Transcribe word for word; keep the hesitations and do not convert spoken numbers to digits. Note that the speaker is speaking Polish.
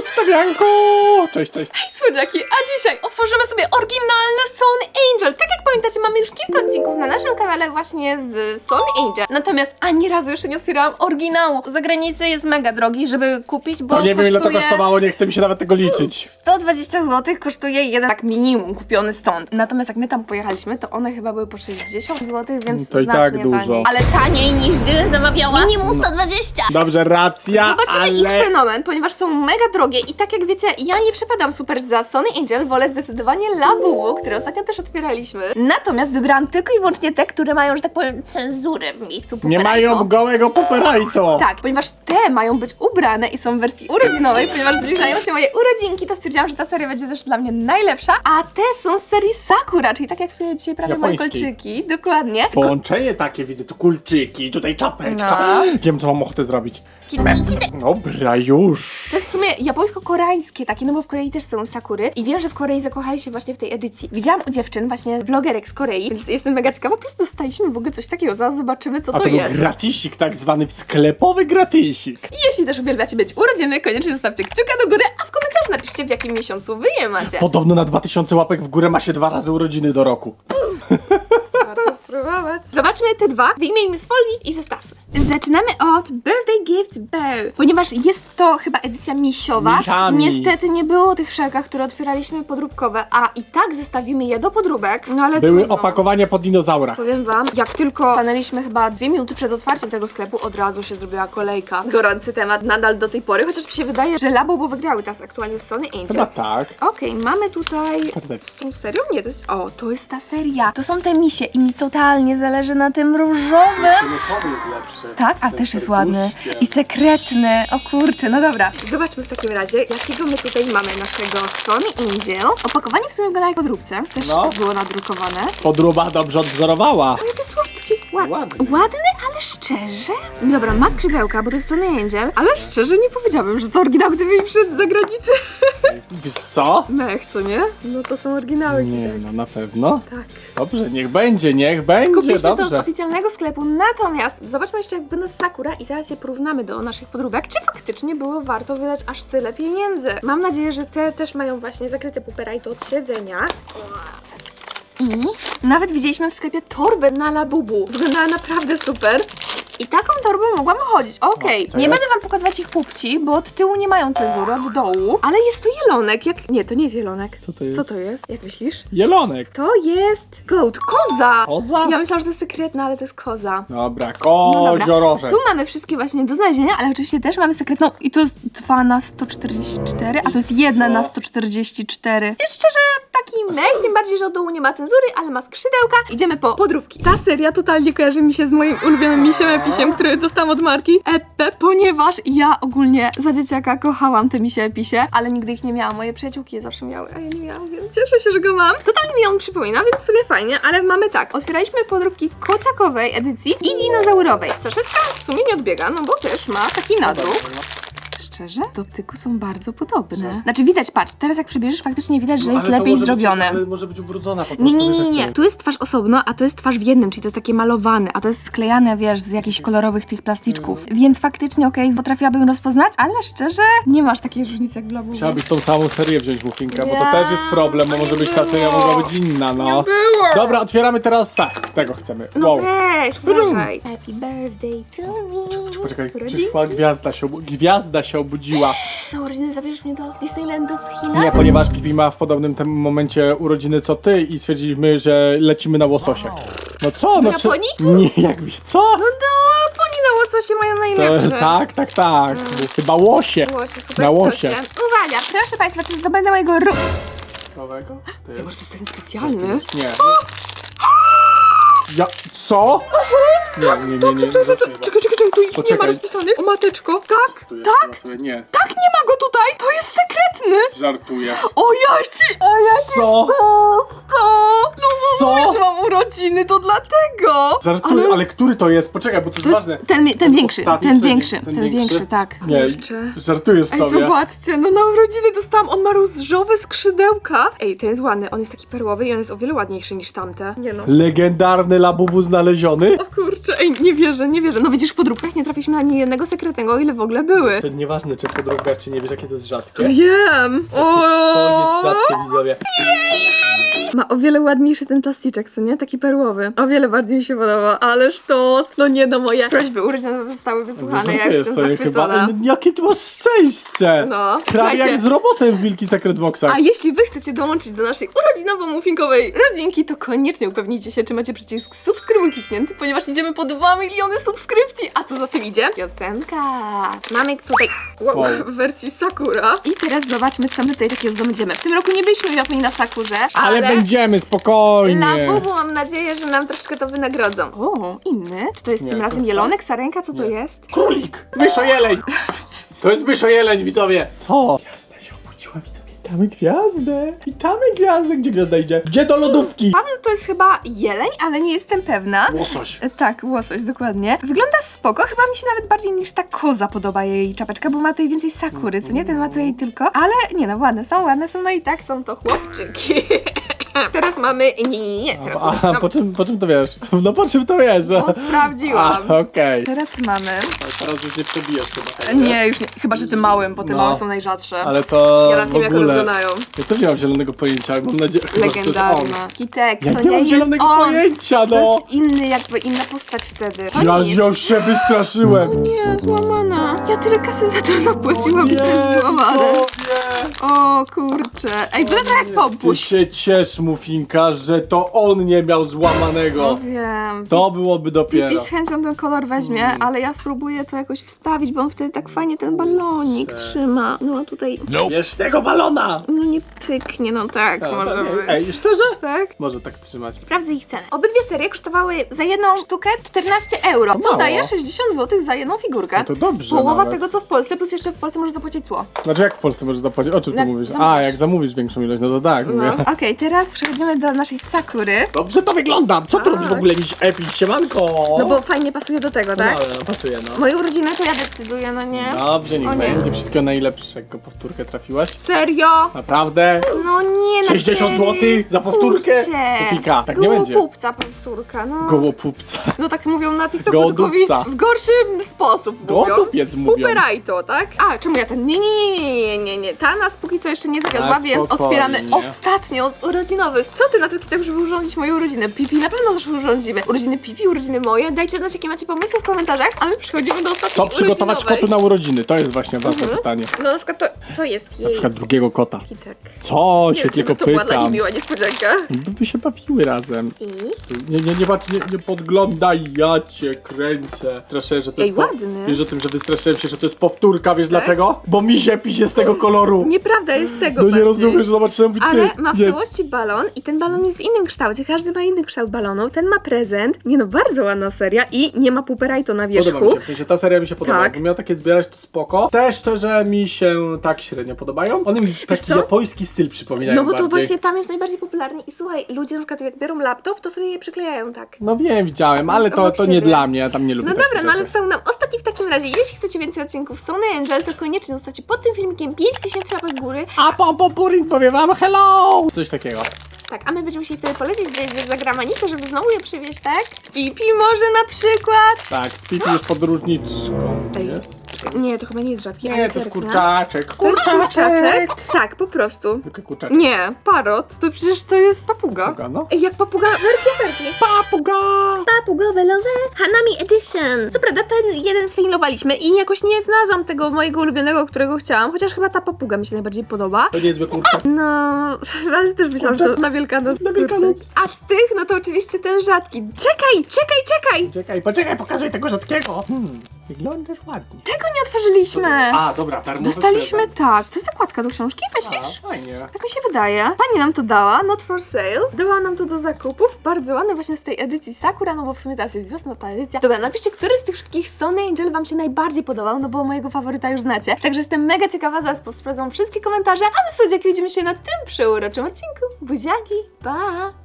Ustawianko! Cześć, cześć. Hej słodziaki, a dzisiaj otworzymy sobie oryginalne Sony Angel. Tak jak pamiętacie, mamy już kilka odcinków na naszym kanale właśnie z Sony Angel. Natomiast ani razu jeszcze nie otwierałam oryginału. Za granicą jest mega drogi, żeby kupić, bo No nie wiem ile to kosztuje kosztowało, nie chce mi się nawet tego liczyć. sto dwadzieścia złotych kosztuje jeden tak minimum kupiony stąd. Natomiast jak my tam pojechaliśmy, to one chyba były po sześćdziesiąt złotych, więc To i tak znacznie dużo. taniej. Ale taniej niż gdybym zamawiała minimum sto dwadzieścia. Dobrze, racja, Zobaczymy ale... ich fenomen, ponieważ są mega drogie i tak jak wiecie, ja nie przepadam super za Sony Angel, wolę zdecydowanie Labubu, które ostatnio też otwieraliśmy. Natomiast wybrałam tylko i wyłącznie te, które mają, że tak powiem, cenzurę w miejscu Nie Poperajto. mają gołego Poperajto. Tak, ponieważ te mają być ubrane i są w wersji urodzinowej, ponieważ zbliżają się moje urodzinki, to stwierdziłam, że ta seria będzie też dla mnie najlepsza, a te są z serii Sakura, czyli tak jak w sumie dzisiaj prawie moje Japońskiej. kolczyki, dokładnie. Połączenie takie, widzę tu kulczyki, tutaj czapeczka. No. Wiem co mam ochotę zrobić. Kitty, kitty. Dobra, już. To jest w sumie japońsko-koreańskie takie, no bo w Korei też są sakury i wiem, że w Korei zakochali się właśnie w tej edycji. Widziałam u dziewczyn, właśnie vlogerek z Korei, więc jestem mega ciekawa, po prostu dostaliśmy w ogóle coś takiego, zaraz zobaczymy co A to to był jest. gratisik, tak zwany sklepowy gratisik. I jeśli też uwielbiacie być urodziny, koniecznie zostawcie kciuka do góry, a w komentarzu napiszcie w jakim miesiącu wy je macie. Podobno na dwa tysiące łapek w górę ma się dwa razy urodziny do roku. Warto spróbować. Zobaczmy te dwa, wyjmijmy z folii i zestawmy. Zaczynamy od Birthday Gift Bear, ponieważ jest to chyba edycja misiowa. Z misiami. Niestety nie było tych wszelkach, które otwieraliśmy podróbkowe, a i tak zestawimy je do podróbek, no ale Były trudno. opakowania po dinozaurach. Powiem wam, jak tylko stanęliśmy chyba dwie minuty przed otwarciem tego sklepu, od razu się zrobiła kolejka. Gorący temat nadal do tej pory, chociaż mi się wydaje, że Labubu wygrały teraz aktualnie z Sony Angel. Chyba tak. Okej, mamy tutaj... Karteczki. Z tą serią? Nie, to jest... O, to jest ta seria. To są te misie i mi totalnie zależy na tym różowym. Fioletowy jest lepszy. Tak? A Ten też jest serduszkiem. ładny. I sekretny. O kurczę, no dobra. Zobaczmy w takim razie, jakiego my tutaj mamy naszego Sony Angel. Opakowanie w sumie wygląda jak podróbce. Też No. było nadrukowane. Podróba dobrze odwzorowała. Ale to słodki. Ła- Ładny. Ładny, ale szczerze? Dobra, ma skrzydełka, bo to jest Sony Angel, ale szczerze nie powiedziałabym, że to oryginał, gdyby mi przyszedł z zagranicy. Wiesz co? Mech, co nie? No to są oryginały. Nie, no na pewno. Tak. Dobrze, niech będzie, niech będzie, Kupiliśmy to z dobrze. oficjalnego sklepu, natomiast zobaczmy jeszcze jak wygląda Sakura i zaraz je porównamy do naszych podróbek, czy faktycznie było warto wydać aż tyle pieniędzy. Mam nadzieję, że te też mają właśnie zakryte Poperajto od siedzenia. I nawet widzieliśmy w sklepie torbę na Labubu. Wyglądała naprawdę super. I taką torbą mogłam chodzić. Okej, co nie jest? będę wam pokazywać ich pupci, bo od tyłu nie mają cenzury, od dołu. Ale jest to jelonek. Jak... Nie, to nie jest jelonek. Co to jest? Co to jest? Jak myślisz? Jelonek. To jest goat, koza! Koza? Ja myślałam, że to jest sekretna, ale to jest koza. Dobra, No dobra, koziorożek. tu mamy wszystkie właśnie do znalezienia, ale oczywiście też mamy sekretną i to jest dwa na sto czterdzieści cztery, a to jest jedna co? na sto czterdzieści cztery. Jest szczerze taki mech, tym bardziej, że od dołu nie ma cenzury, ale ma skrzydełka. Idziemy po podróbki. Ta seria totalnie kojarzy mi się z moim ulubionym misiem episiem, który dostałam od marki Epe, ponieważ ja ogólnie za dzieciaka kochałam te misie episie, ale nigdy ich nie miałam. Moje przyjaciółki je zawsze miały, a ja nie miałam, więc cieszę się, że go mam. Totalnie mi on przypomina, więc w sumie fajnie, ale mamy tak. Otwieraliśmy podróbki kociakowej edycji i dinozaurowej. Saszetka w sumie nie odbiega, no bo też ma taki nadruk. Szczerze? Dotyku są bardzo podobne. Znaczy widać, patrz, teraz jak przebierzesz, faktycznie widać, że jest lepiej zrobione. Ale może być ubrudzona po prostu. Nie, nie, nie, wiesz, nie, jak nie. to Tu jest twarz osobno, a to jest twarz w jednym, czyli to jest takie malowane, a to jest sklejane, wiesz, z jakichś kolorowych tych plasticzków. Więc faktycznie, okej, potrafiłabym rozpoznać, ale szczerze, nie masz takiej różnicy jak w Labubu. Chciałabyś tą samą serię wziąć, Mufinka, bo to Nie, też jest problem, bo może nie być ta seria, było. mogła być inna, no. Nie było. Dobra, otwieramy teraz sak. Tego chcemy. No Wow. weź, uważaj. Happy birthday to me. Poczekaj, Urodzinki? przyszła gwiazda się, obu- gwiazda się obudziła. Na urodziny zabierzesz mnie do Disneylandu w Chinach? Nie, ponieważ Pipi ma w podobnym tym momencie urodziny co ty i stwierdziliśmy, że lecimy na łososie. No co? No Do czy... Japonii? Nie, jakby co? No do Japonii na łososie mają najlepsze. To, tak, tak, tak. Chyba łosie. Łosie, super Na łosie. proszę. Uwaga, proszę Państwa, czy zdobędę mojego ru... Nowego? To jest... Może to jest ten specjalny? Nie. nie. Ja... Co? Nie, nie, nie, nie. Czekaj, czekaj, czekaj, tu ich nie ma Poczekaj. rozpisany. O mateczko, tak, Tu jest, tak, losuję. Nie, tak, nie ma go tutaj, to jest sekretny. żartuję. O ja ci, o ja ci Co? to, co? No Co? Mówię, że mam urodziny, to dlatego! Żartuję, ale, który to jest? Poczekaj, bo to jest To jest ważne. ten, ten większy, ostatni, ten czy większy, ten ten większy? większy, tak. Nie, Kurczę. żartujesz Ej, sobie. zobaczcie, no na urodziny dostałam, on ma różowe skrzydełka. Ej, ten jest ładny, on jest taki perłowy i on jest o wiele ładniejszy niż tamte. Nie no. Legendarny Labubu znaleziony? O kurczę, ej, nie wierzę, nie wierzę. No widzisz, w podróbkach nie trafiliśmy na ani jednego sekretnego, o ile w ogóle były. To nieważne, czy podróbkach, czy nie wiesz, jakie to jest rzadkie. Wiem! To jest O! rzadkie, widzowie. Ma o wiele ładniejszy ten plasticzek, co nie? Taki perłowy. O wiele bardziej mi się podoba, ależ to, no nie no, moje prośby urodzinowe zostały wysłuchane, ja już jestem sobie zachwycona. chyba. Ej, no, jakie ty masz szczęście! No, Prawie słuchajcie. jak z robotem w Milky Secret Boxach. A jeśli wy chcecie dołączyć do naszej urodzinowo-muffinkowej rodzinki, to koniecznie upewnijcie się, czy macie przycisk subskrybuj kliknięty, ponieważ idziemy po dwa miliony subskrypcji. A co za tym idzie? Piosenka. Mamy tutaj wow, Wow. w wersji Sakura. I teraz zobaczmy, co my tutaj takiego zdobędziemy. W tym roku nie byliśmy w Japonii na Sakurze, ale... Ale będziemy, spokojnie. Labubu mam nadzieję, że nam troszkę to wynagrodzą. O, inny? Czy to jest Nie, tym to razem są- jelonek, sarenka? Co to Nie. jest? Królik! Myszojeleń! To jest myszojeleń, widzowie! Co? Gwiazda się obudziła, widzowie. Witamy gwiazdę! Witamy gwiazdę! Gdzie gwiazda idzie? Gdzie do lodówki? Paweł to jest chyba jeleń, ale nie jestem pewna. Łosoś. E, Tak, łosoś, dokładnie. Wygląda spoko, chyba mi się nawet bardziej niż ta koza podoba jej czapeczka, bo ma tutaj więcej sakury, co nie? Ten ma tutaj tylko, ale nie no, ładne są, ładne są, no i tak są to chłopczyki. Teraz mamy, nie, nie, nie, teraz mamy, A, no, po czym, po czym to wiesz? No po czym to wiesz? bo sprawdziłam. A, okej. Teraz mamy, Teraz już nie przebijesz chyba. nie, już nie, chyba, że tym małym, bo te No. małe są najrzadsze. Ale to Ja nawet nie wiem, w jak one ogóle... wyglądają. Ja też nie mam zielonego pojęcia, ale mam nadzieję, chyba, że to jest Legendarna. on. Kitek, Ja to nie nie mam jest zielonego on. pojęcia, To no! jest inny, jakby inna postać wtedy. To Ja nie jest. już się wystraszyłem! Nie, złamana. Ja tyle kasy za to zapłaciłam i to jest złamane. nie! O kurczę. Ej, wygląda jak Ty popuś. się ciesz, Mufinka, że to on nie miał złamanego. Wiem. To byłoby dopiero. Pipi z chęcią ten kolor weźmie, ale ja spróbuję to jakoś wstawić, bo on wtedy tak fajnie ten balonik Kurczę. trzyma. No a tutaj, Bierz tego balona! no nie pyknie, no tak A, może tak, być. Ej, szczerze? Tak? Może tak trzymać. Sprawdzę ich cenę. Obydwie serie kosztowały za jedną sztukę czternaście euro, co mało. daje sześćdziesiąt złotych za jedną figurkę. No to dobrze Połowa nawet. tego, co w Polsce, plus jeszcze w Polsce możesz zapłacić cło. Znaczy jak w Polsce możesz zapłacić? O czym ty Jak mówisz? zamówisz. A, jak zamówisz większą ilość, no to tak. No. Mówię. Okej, teraz przechodzimy do naszej Sakury. Dobrze to wygląda! Co tu Tak. robisz w ogóle, miś Epi? Siemanko! No bo fajnie pasuje do tego, tak? No, no, pasuje, no. Moje urodziny to ja decyduję, no nie? Dobrze, niech O nie. będzie. Wszystkiego najlepszego. Powtórkę trafiłaś? Serio? Naprawdę? No nie, na sześćdziesiąt serio. złotych za powtórkę? Kurczę. Kofika, tak nie będzie. Gołopupca powtórka, no. Gołopupca. No tak mówią na TikToku, tylko Gołodupca. w, w gorszym sposób mówią. Gołodupiec mówią. Puperajto, tak? A, czemu ja ten? Nie, nie, nie, nie, nie, nie. Ta nas póki co jeszcze nie zawiodła, A, więc spokojnie. otwieramy ostatnią z urodzinowych. Co ty na to, Kitek, żeby urządzić moje urodziny? Pipi na pewno też urządzimy. Urodziny Pipi, urodziny moje. Dajcie znać, jakie macie pomysły w komentarzach, a my przechodzimy do ostatniej Co przygotować urodzinowej. kotu na urodziny? To jest właśnie ważne Mhm. pytanie. No na przykład to, to jest Na jej przykład drugiego kota. Kitek. Co? Nie Się wiem, czy tylko to była dla pytam. nich miła niespodzianka. By się bawiły razem. I? Nie, nie, nie, patrz, nie, nie podglądaj, ja cię kręcę. Straszyłem, że to Ej, jest. po- ładny. Wiesz o tym, że wystraszyłem się, że to jest powtórka, wiesz dlaczego? Bo mi się pisie z tego koloru. Nieprawda jest tego No nie bardziej. rozumiesz, zobaczyłem, mówię, Ale ty, ma w jest. całości balon i ten balon jest w innym kształcie. Każdy ma inny kształt balonu. Ten ma prezent. Nie no, bardzo ładna seria i nie ma puperajto na wierzchu. Podoba mi się, w sensie ta seria mi się podoba. Tak. Jakbym miał takie zbierać, to spoko. Te szczerze mi się tak średnio podobają. One mi taki co? japoński styl przypominają No bo to bardziej. właśnie tam jest najbardziej popularny i słuchaj, ludzie na przykład jak biorą laptop, to sobie je przyklejają tak. No wiem, widziałem, ale to, Obok to nie siebie. dla mnie, ja tam nie lubię No takich dobra, no ale rzeczy. został nam ostatni w takim razie. Jeśli chcecie więcej odcinków Sony Angel, to koniecznie zostawcie pod tym filmikiem pięć tysięcy łapek góry. A po popuring powie wam hello! Coś takiego. Tak, a my będziemy musieli wtedy polecieć gdzieś za granicę, żeby znowu je przywieźć, tak? Pipi może na przykład. Tak, z Pipi jest podróżniczką. Ej, Nie? czekaj, nie, to chyba nie jest rzadki, Nie, ale to jest serkna. kurczaczek. To jest kurczaczek? Tak, po prostu. Tylko kurczaczek. Nie, parot. To przecież to jest papuga. Papuga, no. Ej, jak papuga, werki, werki. Papuga! Papugowe lowe Hanami Edition. Co prawda ten jeden sfejlowaliśmy i jakoś nie znalazłam tego mojego ulubionego, którego chciałam, chociaż chyba ta papuga mi się najbardziej podoba. To niezły kurczak. No, ale też myślałam, że to na Wielkanoc. Na Wielkanoc. kurczak. A z tych, no to oczywiście ten rzadki. Czekaj, czekaj, czekaj! Czekaj, poczekaj, pokazuj tego rzadkiego. Hmm, wyglądasz ładnie. Tego nie otworzyliśmy. A, dobra, darmowy Dostaliśmy prezent. tak. To jest zakładka do książki, myślisz? A, fajnie. Tak mi się wydaje. Pani nam to dała, not for sale. Dała nam to do zakupów. Bardzo ładne właśnie z tej edycji Sakura, no bo w sumie teraz jest wiosna, ta edycja. Dobra, napiszcie, który z tych wszystkich Sony Angel wam się najbardziej podobał, no bo mojego faworyta już znacie. Także jestem mega ciekawa, zaraz sprawdzam wszystkie komentarze, a my, słodziaki, widzimy się na tym przeuroczym odcinku. Buziaki, pa!